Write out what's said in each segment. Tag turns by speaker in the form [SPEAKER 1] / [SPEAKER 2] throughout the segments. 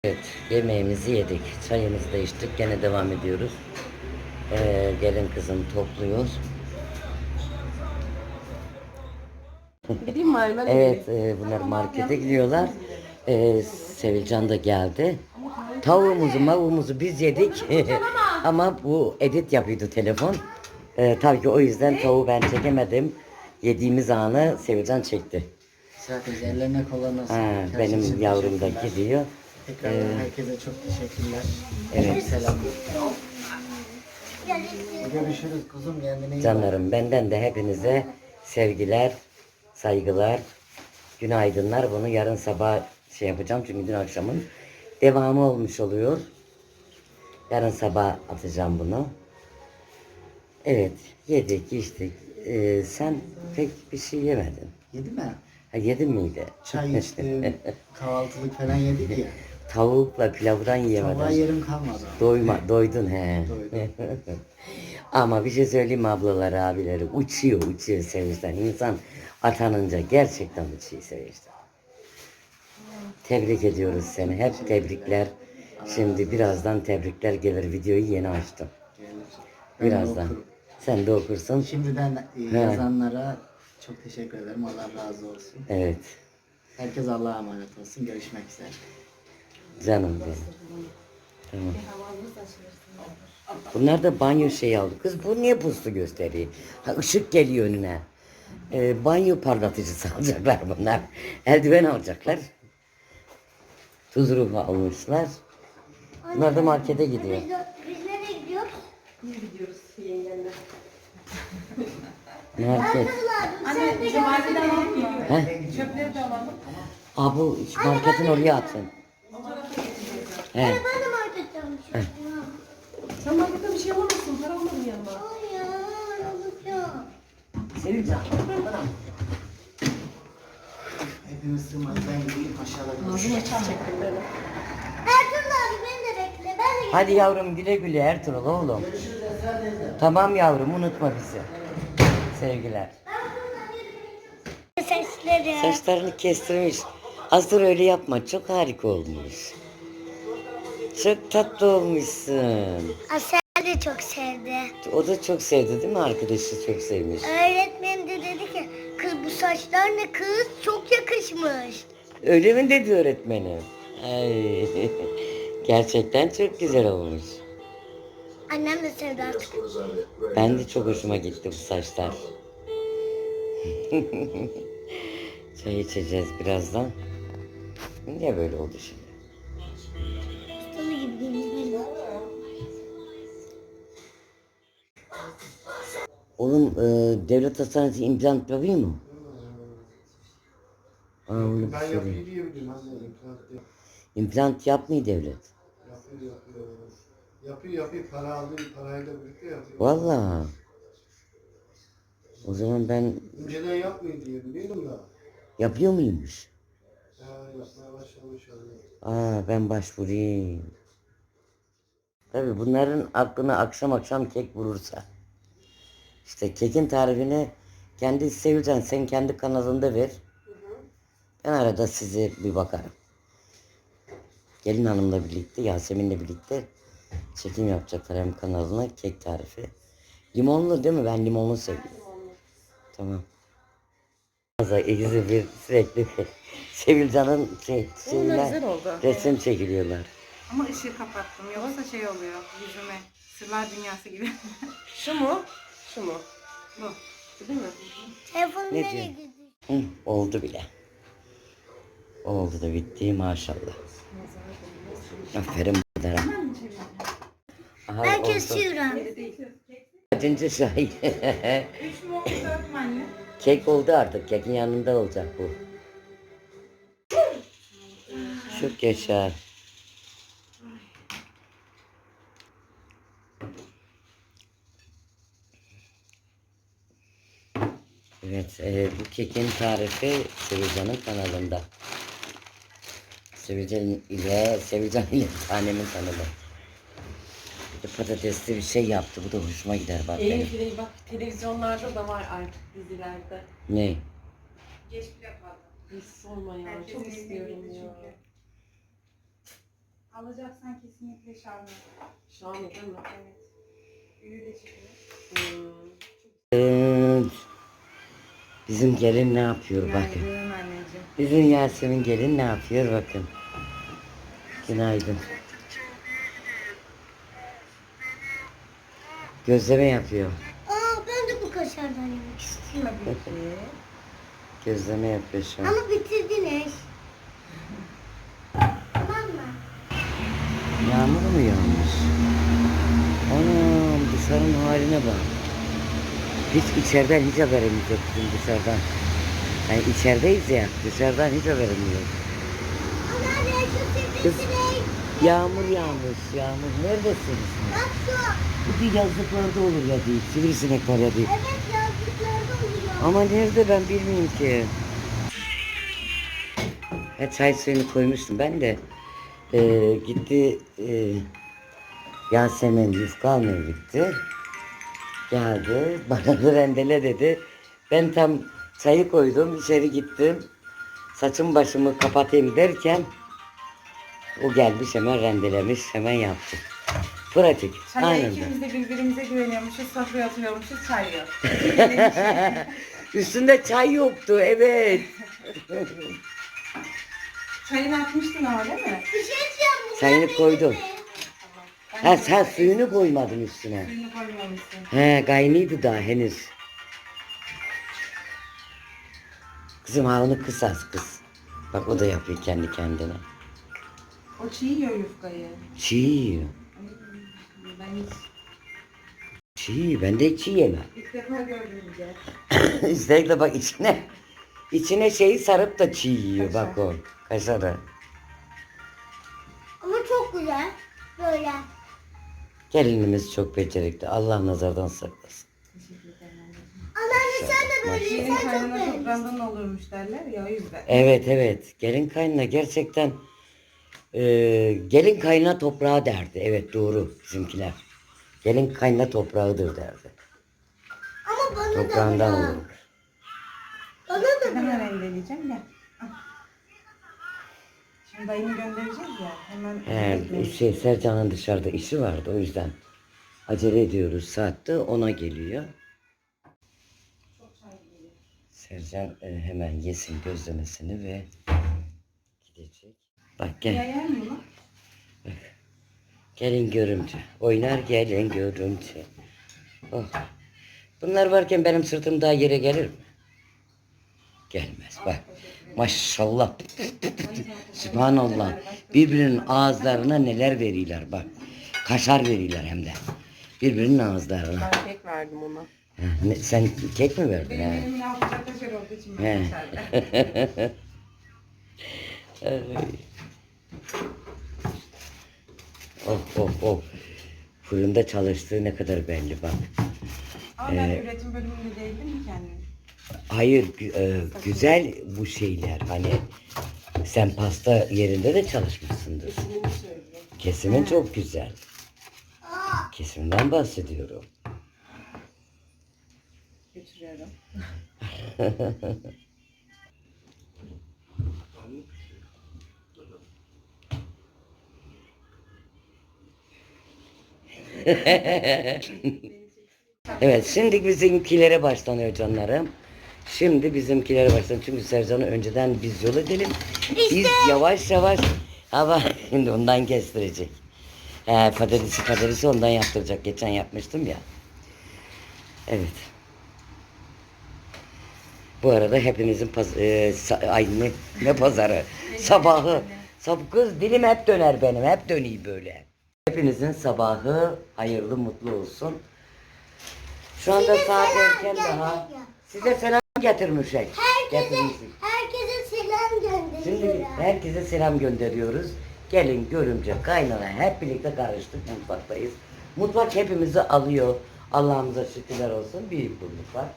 [SPEAKER 1] Evet, yemeğimizi yedik, çayımızı da içtik, gene devam ediyoruz. Gelin kızım topluyor.
[SPEAKER 2] Gideyim mi Aymen?
[SPEAKER 1] Evet, bunlar markete gidiyorlar. Sevilcan da geldi. Tavuğumuzu biz yedik. Ama bu edit yapıyordu telefon. Tabii ki o yüzden tavuğu ben çekemedim. Yediğimiz anı Sevilcan çekti.
[SPEAKER 3] Sadece ellerine kollarına
[SPEAKER 1] Ha,
[SPEAKER 3] sağlık.
[SPEAKER 1] benim yavrum da gidiyor.
[SPEAKER 3] Tekrar herkese çok teşekkürler.
[SPEAKER 1] Evet.
[SPEAKER 3] Çok selam. Görüşürüz kuzum, kendine iyi bak.
[SPEAKER 1] Canlarım, benden de hepinize sevgiler, saygılar, günaydınlar. Bunu yarın sabah şey yapacağım çünkü dün akşamın devamı olmuş oluyor. Yarın sabah atacağım bunu. Evet, yedik, içtik. Sen pek bir şey yemedin.
[SPEAKER 3] Yedi mi?
[SPEAKER 1] Ha, yedin miydi?
[SPEAKER 3] Çay içtim, kahvaltılık falan yedik ya.
[SPEAKER 1] Tavukla pilavdan yemedin.
[SPEAKER 3] Tabağa yerim kalmadı.
[SPEAKER 1] Doydun he.
[SPEAKER 3] Doydum.
[SPEAKER 1] Ama bir şey söyleyeyim mi ablaları, abileri? Uçuyor sevinçten. İnsan atanınca gerçekten uçuyor sevinçten. Tebrik ediyoruz seni. Hep tebrikler. Şimdi birazdan tebrikler gelir. Videoyu yeni açtım.
[SPEAKER 3] Ben de
[SPEAKER 1] Birazdan.
[SPEAKER 3] okurum.
[SPEAKER 1] Sen de okursun.
[SPEAKER 3] Şimdiden yazanlara çok teşekkür ederim. Allah razı olsun.
[SPEAKER 1] Evet.
[SPEAKER 3] Herkes Allah'a emanet olsun. Görüşmek üzere.
[SPEAKER 1] Canım benim. Tamam. Bunlar da banyo şeyi aldı. Kız bu niye puslu gösteriyor? Ha, ışık geliyor önüne. Banyo parlatıcısı alacaklar bunlar. Eldiven alacaklar. Tuz ruhu almışlar. Bunlar da markete gidiyor.
[SPEAKER 4] Biz nereye gidiyoruz?
[SPEAKER 2] Biz gidiyoruz yengenle.
[SPEAKER 1] Market.
[SPEAKER 4] Sen de
[SPEAKER 2] Cumartesi'den alalım mı?
[SPEAKER 1] He?
[SPEAKER 2] Çöpleri de alalım.
[SPEAKER 1] Aa, bu marketin oraya atın. He.
[SPEAKER 4] Ben de marketten bir şey
[SPEAKER 2] Sen markette bir şey alamazsın. Para almadın yanıma.
[SPEAKER 4] Ay ya, alacağım.
[SPEAKER 1] Sevincan.
[SPEAKER 3] Hepimiz sığmayız. Ben gideyim aşağıda
[SPEAKER 2] Ağzım
[SPEAKER 3] görüşürüz.
[SPEAKER 2] açık çektim beni.
[SPEAKER 4] Ertuğrul abi beni de bekle. Ben de
[SPEAKER 1] Hadi yavrum güle güle Ertuğrul oğlum. Tamam yavrum unutma bizi. Sevgiler.
[SPEAKER 4] sesleri.
[SPEAKER 1] Saçlarını kestirmiş. Aslı öyle yapma. Çok harika olmuş. Çok tatlı olmuşsun.
[SPEAKER 4] Asel de çok sevdi.
[SPEAKER 1] O da çok sevdi değil mi? Arkadaşı çok sevmiş.
[SPEAKER 4] Öğretmenim de dedi ki kız bu saçlar ne kız çok yakışmış.
[SPEAKER 1] Öyle mi dedi öğretmenim? Ay. Gerçekten çok güzel olmuş.
[SPEAKER 4] Annem de sevdi artık.
[SPEAKER 1] Ben de çok hoşuma gitti bu saçlar. Çay içeceğiz birazdan. Niye böyle oldu şimdi?
[SPEAKER 4] Salı gibi geliyor.
[SPEAKER 1] Oğlum devlet hastanesi implant yapıyor mu? Aa, onu
[SPEAKER 5] Ben
[SPEAKER 1] bir
[SPEAKER 5] yapıyor
[SPEAKER 1] sorayım.
[SPEAKER 5] diye biliyorum anne. İmplant yapıyor.
[SPEAKER 1] İmplant yapmıyor devlet.
[SPEAKER 5] Yapıyor. Para aldığı parayla birlikte yapıyor.
[SPEAKER 1] Vallahi. O zaman ben
[SPEAKER 5] Önceden yapmıyor diye biliyorum da.
[SPEAKER 1] yapıyor muymuş?
[SPEAKER 5] Ya yapmaya başlamış yani.
[SPEAKER 1] Aa, ben başvurayım. Tabii bunların aklına akşam kek vurursa. İşte kekin tarifini kendi Sevilcan sen kendi kanalında ver. Ben arada size bir bakarım. Gelin hanımla birlikte, Yasemin'le birlikte çekim yapacaklar hem kanalına kek tarifi. Limonlu değil mi? Ben limonlu seviyorum. Tamam. İkisi bir sürekli Sevilcan'ın
[SPEAKER 2] Onlar güzel oldu.
[SPEAKER 1] resim çekiliyorlar.
[SPEAKER 6] Ama ışığı kapattım. Yoksa şey oluyor yüzüme. Sırlar dünyası gibi.
[SPEAKER 2] Şu mu? Şu mu?
[SPEAKER 6] Bu.
[SPEAKER 2] Bu değil mi?
[SPEAKER 4] Telefon
[SPEAKER 1] Ne
[SPEAKER 4] nereye
[SPEAKER 1] diyor?
[SPEAKER 4] gidiyor?
[SPEAKER 1] Hı, oldu bile. Oldu da bitti maşallah. Aferin bunlara. Aha,
[SPEAKER 4] Ben
[SPEAKER 1] oldu.
[SPEAKER 4] kesiyorum.
[SPEAKER 1] Kaçıncı şahit?
[SPEAKER 6] 3 mü oldu 4 mü anne?
[SPEAKER 1] Kek oldu artık. Kekin yanında olacak bu. Çok yaşa. Evet, bu kekin tarifi Sevilcan'ın kanalında. Sevilcan ile tanemin kanalı. Bir de patatesli bir şey yaptı. Bu da hoşuma gider bak benim.
[SPEAKER 2] Eğil bak televizyonlarda da var artık dizilerde.
[SPEAKER 1] Ne?
[SPEAKER 6] Geç bile kaldı.
[SPEAKER 2] Hiç sorma ya.
[SPEAKER 6] Herkesin
[SPEAKER 2] Çok
[SPEAKER 6] evine
[SPEAKER 2] istiyorum
[SPEAKER 6] girdi
[SPEAKER 2] ya.
[SPEAKER 6] çünkü. Alacaksan kesinlikle Şarmı.
[SPEAKER 2] Şahane değil mi?
[SPEAKER 6] Evet. Büyü de çıkıyor.
[SPEAKER 1] Bizim gelin ne yapıyor bakın.
[SPEAKER 6] Günaydın anneciğim.
[SPEAKER 1] Bizim Yasemin gelin ne yapıyor bakın. Günaydın. Gözleme yapıyor.
[SPEAKER 4] Aa ben de bu kaşardan yemek istiyorum.
[SPEAKER 6] Tabii ki.
[SPEAKER 1] Gözleme yapıyor şu an.
[SPEAKER 4] Ama bitirdiniz. Tamam mı?
[SPEAKER 1] Yağmur mu yağmış? Anam dışarının haline bak. Hiç içeriden hiç haberimiz yok bizim dışarıdan. Yani içerideyiz ya, dışarıdan hiç haberimiz yok.
[SPEAKER 4] Ana ne şu
[SPEAKER 1] Kız,
[SPEAKER 4] sivrisinek.
[SPEAKER 1] yağmur yağmış, yağmur. Neredesiniz?
[SPEAKER 4] Bak şu.
[SPEAKER 1] Bu bir yazlıklarda olur ya değil, sivrisinek var ya değil.
[SPEAKER 4] Evet yazlıklarda oluyor.
[SPEAKER 1] Ama nerede ben bilmiyorum ki. Çay suyunu koymuştum ben de. Gitti Yasemin yufka almaya gitti. Geldi bana da rendele dedi. Ben tam çayı koydum içeri gittim. Saçım başımı kapatayım derken o gelmiş hemen rendelemiş hemen yaptı. Pratik.
[SPEAKER 6] Çaya
[SPEAKER 1] Aynen.
[SPEAKER 6] ikimiz de birbirimize güveniyormuşuz, sofraya atıyormuşuz, çay yok.
[SPEAKER 1] Üstünde çay yoktu evet.
[SPEAKER 6] Çayını atmıştın ama değil mi?
[SPEAKER 4] Bir şey diyeceğim. Bu
[SPEAKER 1] Çayını koydum.
[SPEAKER 6] Ben
[SPEAKER 1] Ha
[SPEAKER 6] de
[SPEAKER 1] sen suyunu koymadın üstüne.
[SPEAKER 6] suyunu koymamışsın.
[SPEAKER 1] He kaynıydı daha henüz. Kızım havunu kısas kız. Bak o da yapıyor kendi kendine.
[SPEAKER 6] O çiğ yiyor yufkayı.
[SPEAKER 1] Çiğ yiyor.
[SPEAKER 6] Ay, ben hiç
[SPEAKER 1] Çiğ ben de çiğ yemem.
[SPEAKER 6] ilk defa gördüm bile.
[SPEAKER 1] Üstelik de bak içine şeyi sarıp da çiğ yiyor bak o. Kaşarı.
[SPEAKER 4] Ama çok güzel. Böyle.
[SPEAKER 1] Gelinimiz çok becerikli. Allah nazardan saklasın.
[SPEAKER 6] Teşekkür ederim anneciğim.
[SPEAKER 4] Anneanne sen de böyle.
[SPEAKER 6] Gelin
[SPEAKER 4] Sen çok
[SPEAKER 6] kaynana
[SPEAKER 4] beğenmişsin.
[SPEAKER 6] toprağından olurmuş derler ya o yüzden.
[SPEAKER 1] Evet. Gelin kaynına gerçekten gelin kaynına toprağı derdi. Evet doğru bizimkiler. Gelin kaynına toprağıdır derdi.
[SPEAKER 4] Ama bana da
[SPEAKER 1] Toprağından
[SPEAKER 4] bırak.
[SPEAKER 1] olur.
[SPEAKER 4] Bana da
[SPEAKER 6] Hemen
[SPEAKER 4] bırak.
[SPEAKER 6] rendeleyeceğim ya. Şimdi dayımı göndereceğiz ya. Hemen
[SPEAKER 1] Sercan'ın dışarıda işi vardı o yüzden acele ediyoruz. Saatte ona geliyor. Sercan hemen yesin gözlemesini ve gidecek. Bak gel.
[SPEAKER 6] Yayar mı bunu?
[SPEAKER 1] Gelin görümce. Oynar gelin görümce. Oh. Bunlar varken benim sırtım daha yere gelir mi? Gelmez bak. Maşallah. Sübhanallah. Birbirinin ağızlarına neler veriyorlar bak. Kaşar veriyorlar hem de. Birbirinin ağızlarına.
[SPEAKER 2] Ben kek verdim ona.
[SPEAKER 1] Ha, sen kek mi verdin?
[SPEAKER 6] Benim
[SPEAKER 1] ha?
[SPEAKER 6] elimin altında kaşar olduğu için
[SPEAKER 1] He.
[SPEAKER 6] ben içeride.
[SPEAKER 1] Oh. Fırında çalıştığı ne kadar belli bak.
[SPEAKER 6] Ama ben üretim bölümünde değildim mi kendim?
[SPEAKER 1] Hayır güzel bu şeyler hani sen pasta yerinde de çalışmışsındır.
[SPEAKER 2] Kesinini söylüyor.
[SPEAKER 1] Kesimin çok güzel. Kesimden bahsediyorum.
[SPEAKER 6] Götürüyorum.
[SPEAKER 1] Evet şimdi bizimkilere başlanıyor canlarım. Şimdi bizimkilere başlanıyor. Çünkü Sercan'ı önceden biz yol edelim. Biz yavaş yavaş ama şimdi ondan kestirecek. Patatesi ondan yaptıracak. Geçen yapmıştım ya. Evet. Bu arada hepimizin ne pazarı? Sabahı. Kız dilim hep döner benim. Hep dönüyor böyle. Hepinizin sabahı hayırlı mutlu olsun. Şu anda saat erken daha. Size selam getirmişek. Getirmişik.
[SPEAKER 4] Herkese selam
[SPEAKER 1] Şimdi
[SPEAKER 4] gönderiyorum.
[SPEAKER 1] herkese selam gönderiyoruz. Gelin görümce kaynana hep birlikte karıştık mutfaktayız. Mutfak hepimizi alıyor. Allah'ımıza şükürler olsun. Büyük bir mutfak.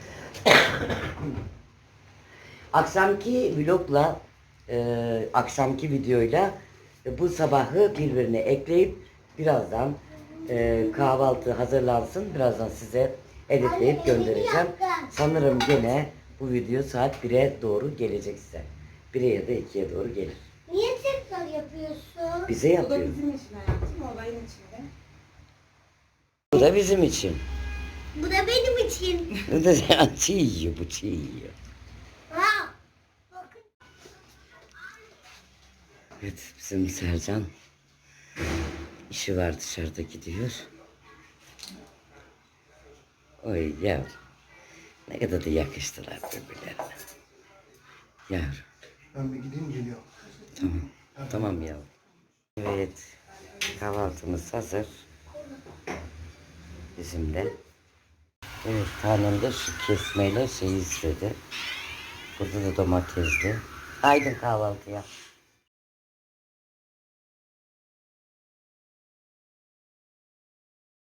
[SPEAKER 1] Akşamki vlogla akşamki videoyla bu sabahı birbirine ekleyip birazdan kahvaltı hazırlansın. Birazdan size editleyip göndereceğim. Sanırım gene bu video saat 1'e doğru gelecek size. 1'e ya da 2'ye doğru gelir.
[SPEAKER 4] Niye tekrar yapıyorsun? yapıyorsun?
[SPEAKER 1] Bize
[SPEAKER 6] Bu da
[SPEAKER 1] yapıyor.
[SPEAKER 6] bizim için hayatım, olayın içinde.
[SPEAKER 1] Bu da bizim için.
[SPEAKER 4] Bu da benim için.
[SPEAKER 1] Bu da çiğ yiyor, bu çiğ yiyor.
[SPEAKER 4] Ha. Bakın.
[SPEAKER 1] Evet, bizim Sercan işi var, dışarıda gidiyor. Oy yavrum. Ne kadar da yakıştılar birbirlerine. Yavrum.
[SPEAKER 5] Ben bir gideyim geliyorum.
[SPEAKER 1] Tamam. Tamam yavrum. Evet. Kahvaltımız hazır. Bizim de. Evet, tanem de şu kesmeyle şey istedi. Burada da domatesli. Haydi kahvaltıya.